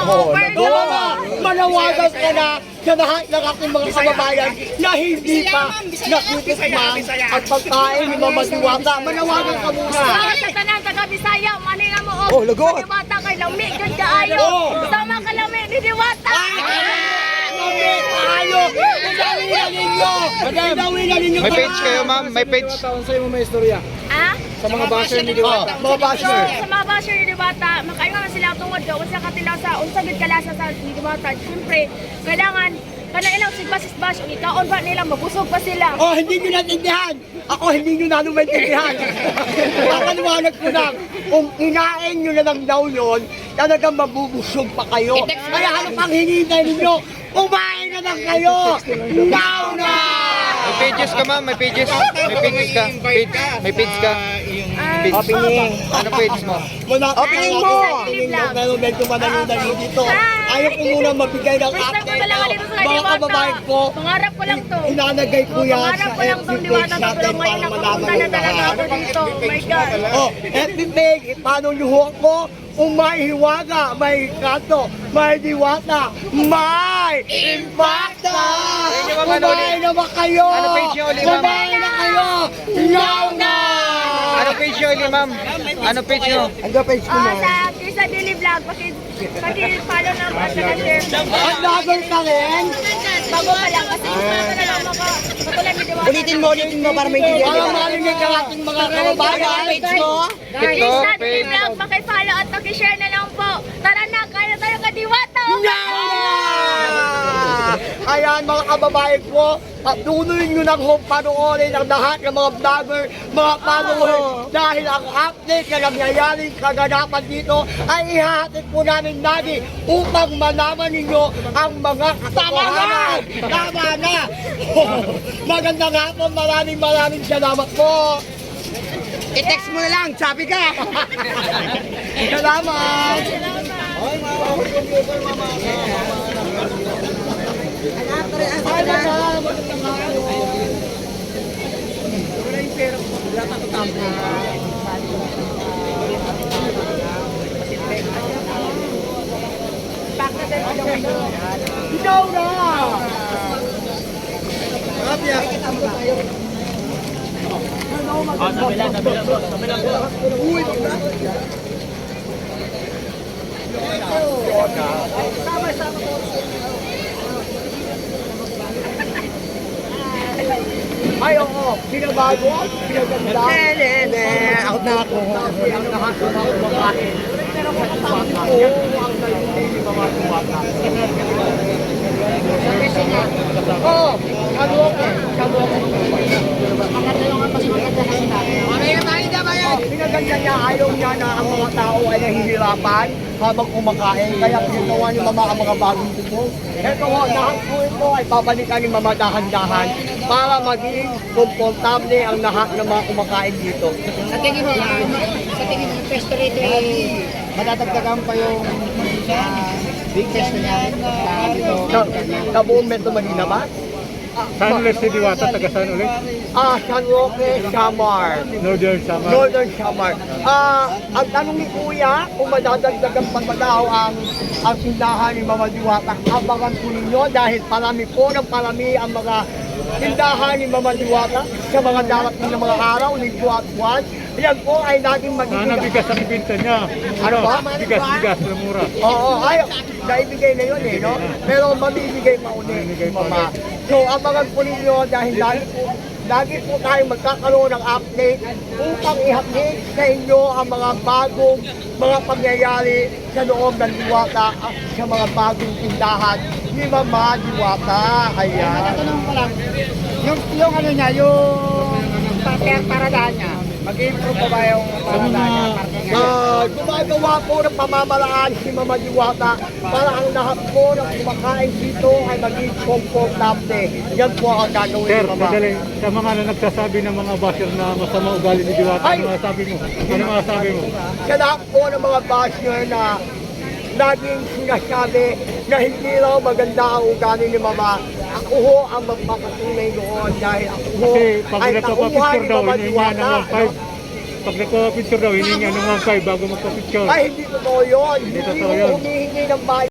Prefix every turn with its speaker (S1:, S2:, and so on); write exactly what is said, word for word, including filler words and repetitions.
S1: Oh,
S2: overload.
S1: oo nga, manawagan ka na sa lahat ng ating mga kababayan na hindi pa nakitikman ang pagkain ni Mama Diwata. Manawagan ka muna.
S2: Para sa tanan taga Bisaya, manila mo
S3: Oh, lagot.
S2: Diwata kay lami gud kaayo.
S1: Oh.
S2: Sama ka lami ni Diwata.
S1: Kami tayo! Idawin na ninyo! Idawin na ninyo!
S3: May page kayo, ma'am? May page?
S4: Sa'yo mo may istorya.
S2: Ah?
S4: Sa mga basher ni Diwata.
S1: Mga
S2: So,
S1: basher!
S2: sa mga basher ni Diwata, makaingon na sila tungod do unsa katilasa, unsa gid kalasa sa ni Diwata. Siyempre, kailangan kana ilang sigbas-isbas ug ikaon ba nila mabusog pa sila.
S1: Oh, hindi nyo natindihan! Ako, hindi nyo na maintindihan! Kakaliwanag ko lang, kung kinain nyo na lang daw yun, talagang mabubusog pa kayo. Kaya ano pang hinihintay ninyo? Kumain na lang kayo! Now na!
S3: May pages ka, ma'am? May pages? May pages ka? Page? May page ka?
S2: Ah,
S3: Page.
S1: Opening.
S3: Ano page mo?
S1: Wala
S2: Opening mo!
S1: Pero medyo manalo-dalo dito.
S2: Hi!
S1: Ayaw ko muna magbigay ng
S2: First time ko
S1: update.
S2: talaga dito sa
S1: Mga
S2: Diwata.
S1: kababayan ko,
S2: Pangarap ko lang to.
S1: inanagay ko yan
S2: Pangarap
S1: sa
S2: ko lang
S1: F B
S2: tong
S1: page
S2: Diwata
S1: natin
S2: pero ngayon
S1: para
S2: nakapunta
S1: malaman
S2: na
S1: ng
S2: talaga
S1: lahat.
S2: ako dito. Oh my God.
S1: Oh, F B page, paano luho ko? Kung may hiwaga, may kanto, may diwata, may impacta!
S3: Ayun yung mga ano
S1: Kumain na ba kayo?
S3: Ano page niyo ulit, ma'am?
S1: Kumain na kayo! Now na!
S3: Ano page nyo ulit, ma'am? Ano page nyo?
S1: Ano page ko
S2: Ah,
S1: na?
S2: sa Krisa Daily Vlog, paki paki follow na at saka share.
S1: Ang laban ka rin?
S2: Bago pa lang kasi gusto ko na lang maka katulad ni Diwata.
S1: Ulitin mo, ulitin mo para maintindihan. Para marinig ang ating mga kababayan. Page mo?
S2: Krisa
S3: TikTok,
S2: Daily
S3: page.
S2: Vlog, paki-follow at paki-share na lang po. Tara na, kaya tayo ka Diwata.
S1: Ayan mga kababayan ko, patuloy nyo lang kung panoorin ang lahat ng mga vlogger, mga follower, dahil ang update na nangyayaring kaganapan dito ay ihahatid po namin lagi upang malaman ninyo ang mga katotohanan. Tama na! Magandang hapon, maraming maraming salamat po! I-text mo na lang, sabi ka! Salamat! Ay, mama, magandang hapon. Wala yung pera ko. Wala pa ito tampo. Ikaw na! Rapia! Uy, ay, oo. Pinabago. Pinaganda. Nene, nene. Out na ako. Kasi ang lahat ng mga kumakain. Pero kung kasama ko, ang nalunay ni mga kumaka. Oo. Ano ako? Ano ako? Maganda yung mas maganda na sila. Mamaya tayo na ba yan? Pinaganda niya, ayaw niya na ang mga tao ay nahihirapan habang kumakain. Kaya pinagawa ni Mama ang mga bagong tubo. Ito ho, lahat po ito ay babalikan ni Mama dahan-dahan para maging komportable ang lahat ng mga kumakain dito.
S5: Sa tingin mo, uh, sa tingin mo, pesto rito eh, madadagdagan pa yung uh, big pesto niya uh, dito.
S1: Sa, sa buong Metro Manila ba?
S4: Saan ulit si Diwata? Taga saan ulit?
S1: Ah, San Roque, Samar.
S4: Northern Samar.
S1: Northern Samar. Ah, ang tanong ni Kuya, kung madadagdagan pa ba daw ang ang tindahan ni Mama Diwata, abangan po ninyo dahil parami po ng parami ang mga tindahan ni Mama Diwata sa mga darating na mga araw, linggo at buwan. Yan po ay laging
S4: Sana
S1: magiging...
S4: bigas ang ibinta niya.
S1: Ano ba?
S4: Bigas, bigas na mura.
S1: Oo, ay, naibigay na yun eh, no? Pero mamibigay pa ulit,
S4: Mamimigay pa
S1: Mama. So, abangan po ninyo dahil lagi po, lagi po tayo magkakaroon ng update upang i-update sa inyo ang mga bagong mga pangyayari sa loob ng Diwata at sa mga bagong tindahan ni Mama Diwata. Ayan.
S5: Tatanong ko lang, yung, yung ano niya, yung pa- paradaan niya, mag-improve pa ba yung paradaan niya? Parking niya?
S1: Ah, gumagawa po ng pamamaraan si Mama Diwata para ang lahat po ng kumakain dito ay maging komportable. Yan po ang gagawin
S4: Sir,
S1: ni Mama.
S4: madali. Sa mga na nagsasabi ng mga basher na masama ugali ni Diwata,
S1: Ay!
S4: ano masasabi mo? Ano masasabi mo?
S1: Sa lahat po ng mga basher na laging sinasabi na hindi raw maganda ang ugali ni Mama. Ako ho ang magpapatunay noon dahil ako ho
S4: Kasi pag
S1: ay
S4: nagpapapicture
S1: tauhan ni
S4: daw,
S1: Mama
S4: hinihinga ng
S1: Diwata.
S4: one five. Pag nagpapapicture daw, hinihinga ng one five bago magpapicture.
S1: Ay, hindi totoo yun. Hindi
S4: totoo
S1: ho
S4: yun.
S1: humihingi ng bayan.